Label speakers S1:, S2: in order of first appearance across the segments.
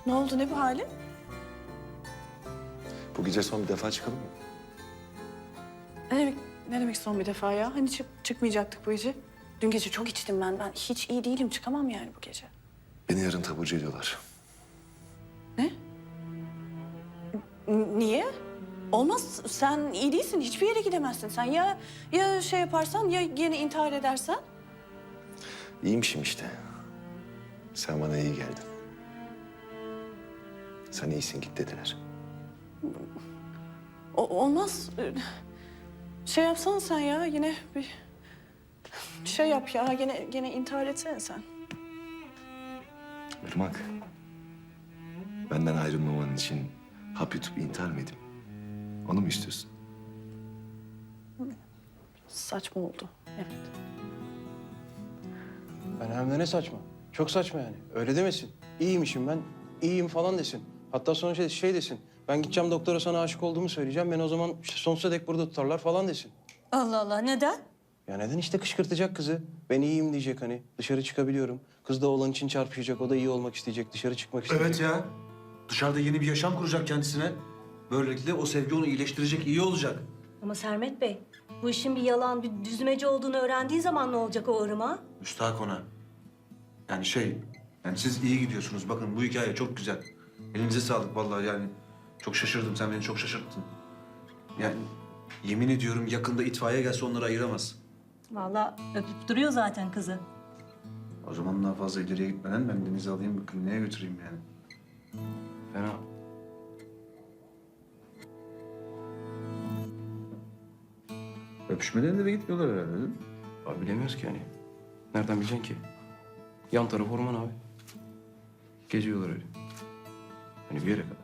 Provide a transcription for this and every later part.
S1: Ne oldu, ne bu halin?
S2: Bu gece son bir defa çıkalım mı?
S1: Ne demek son bir defa ya? Hani çıkmayacaktık bu gece. Dün gece çok içtim ben. Ben hiç iyi değilim. Çıkamam yani bu gece.
S2: Beni yarın taburcu ediyorlar.
S1: Ne? Niye? Olmaz. Sen iyi değilsin. Hiçbir yere gidemezsin. Sen ya şey yaparsan ya yine intihar edersen.
S2: İyiymişim işte. Sen bana iyi geldin. Sen iyisin, git dediler.
S1: Olmaz. Şey yapsana sen ya. Yine bir şey yap ya. Gene intihar etsene sen.
S2: Irmak, benden ayrılmaman için hap yutup intihar mı edeyim? Onu mu istiyorsun?
S1: Saçma oldu. Evet.
S3: Ben hem de ne saçma. Çok saçma yani. Öyle demesin. İyiymişim ben, iyiyim falan desin. Hatta sonra şey desin. Ben gideceğim doktora, sana aşık olduğumu söyleyeceğim. Ben o zaman işte sonsuza dek burada tutarlar falan desin.
S4: Allah Allah, neden?
S3: Ya neden işte, kışkırtacak kızı. Ben iyiyim diyecek hani. Dışarı çıkabiliyorum. Kız da oğlan için çarpışacak. O da iyi olmak isteyecek. Dışarı çıkmak isteyecek.
S5: Evet ya. Dışarıda yeni bir yaşam kuracak kendisine. Böylelikle o sevgi onu iyileştirecek, iyi olacak.
S4: Ama Sermet Bey, bu işin bir yalan, bir düzmece olduğunu öğrendiği zaman ne olacak o Irmak'a?
S5: Müstahak ona. Yani siz iyi gidiyorsunuz. Bakın bu hikaye çok güzel. Elinize sağlık vallahi yani. Çok şaşırdım. Sen beni çok şaşırttın. Yani yemin ediyorum yakında itfaiye gelse onları ayıramaz.
S4: Vallahi öpüp duruyor zaten kızı.
S5: O zaman daha fazla ileriye gitmeden ben Deniz'i alayım, bir kliniğe götüreyim yani.
S3: Fena.
S5: Öpüşmeden de gitmiyorlar herhalde değil mi?
S3: Abi bilemiyoruz ki yani. Nereden bileceksin ki? Yan taraf orman abi. Geziyorlar öyle. Hani bir yere kadar.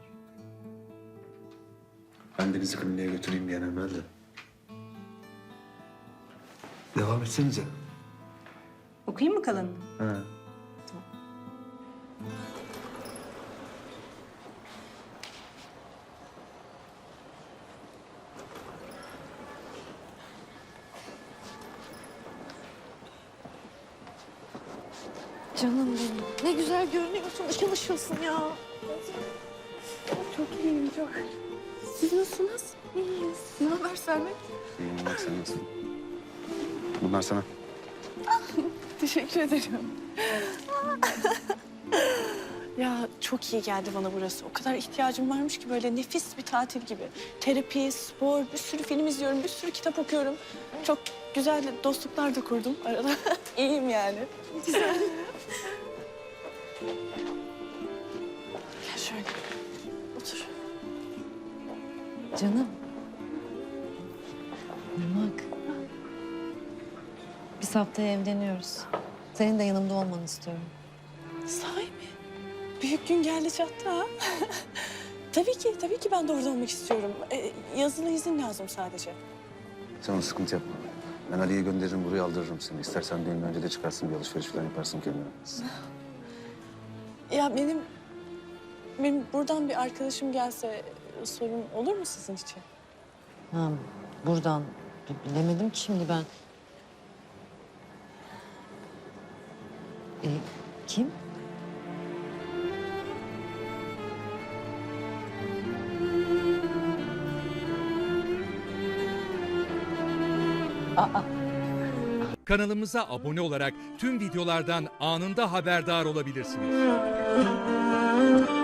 S5: Ben Deniz'i kliniğe götüreyim bir an evvel de. Devam etsenize.
S4: Okuyayım mı kalanını?
S5: Ha.
S1: Canım benim. Ne güzel görünüyorsun. Işıl ışılsın ya. Çok iyiyim, çok. Siz nasılsınız? İyiyiz. Ne haber Sermet?
S5: İyiyim bak, sen nasılsın? Bunlar sana.
S1: Teşekkür ederim. Ya çok iyi geldi bana burası. O kadar ihtiyacım varmış ki, böyle nefis bir tatil gibi. Terapi, spor, bir sürü film izliyorum, bir sürü kitap okuyorum. Çok güzel dostluklar da kurdum arada. İyiyim yani. Güzel. Gel şöyle. Otur.
S6: Canım. Irmak. Biz haftaya evleniyoruz. Senin de yanımda olmanı istiyorum.
S1: Sahi mi? Büyük gün geldi çattı ha. Tabii ki ben de orada olmak istiyorum. Yazılı izin lazım sadece.
S7: Sen ona sıkıntı yapma. Ben Ali'ye gönderirim, buraya aldırırım seni. İstersen düğünden önce de çıkarsın, bir alışveriş falan yaparsın kendine.
S1: Ya benim buradan bir arkadaşım gelse sorun olur mu sizin için?
S6: Ha, buradan. Bilemedim ki şimdi ben. Kim?
S8: Kanalımıza abone olarak tüm videolardan anında haberdar olabilirsiniz.